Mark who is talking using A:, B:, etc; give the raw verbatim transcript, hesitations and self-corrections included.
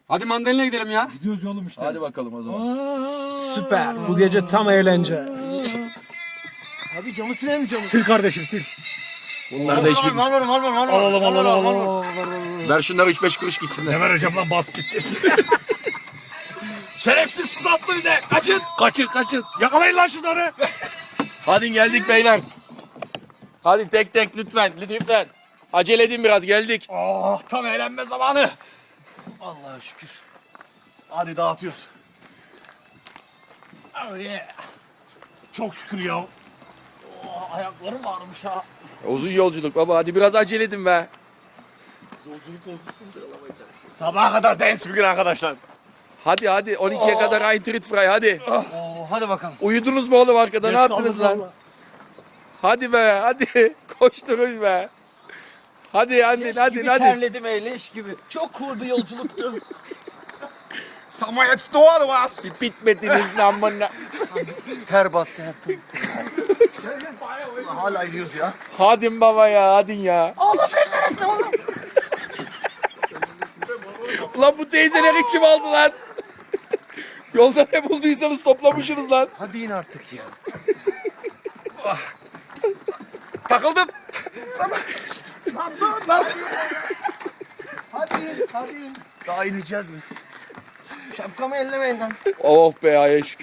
A: Hadi mandalina gidelim ya.
B: Gidiyoruz oğlum işte.
C: Hadi bakalım o zaman.
D: Süper. Bu gece tam eğlence. Abi camı siler mi camı?
B: Sil kardeşim sil.
C: Bunlar da hiçbir...
B: Alalım alalım alalım alalım.
C: Ver şunları üç beş kuruş gitsinler.
B: Ne vereceğim lan bas gitti. Şerefsiz su attı bize. Kaçın. Kaçın kaçın. Yakalayın lan şunları.
C: Hadi geldik beyler. Hadi tek tek lütfen lütfen. Acele edin biraz geldik.
B: Oh tam eğlenme zamanı. Allah'a şükür. Hadi dağıtıyoruz. Oh yeah. Çok şükür ya. Oh, ayaklarım ağrımış ha.
C: Uzun yolculuk baba hadi biraz acele edin be.
B: Sabaha kadar dance bir gün arkadaşlar.
C: Hadi hadi on ikiye kadar Eintritt frei hadi.
D: Oo, hadi bakalım.
C: Uyudunuz mu oğlum arkada ne yaptınız lan?
B: Vallahi.
C: Hadi be hadi koşturun be. Hadi hadi hadi
D: gibi
C: hadi.
D: terledim leş gibi. Çok cool bir yolculuktu.
B: Samayet doğal was.
C: Bitmediniz lan bana.
D: Ter bastı her tarafı. Hala iniyoruz ya.
C: Hadi baba ya hadi ya. Lan bu teyzeleri kim aldı lan? Yolda ne bulduysanız toplamışsınız lan.
D: Hadi in artık ya.
B: Takıldım.
D: Hadi hadi. Daha ineceğiz mi? Şapkamı ellemeyin lan.
C: Oh be ya şükür.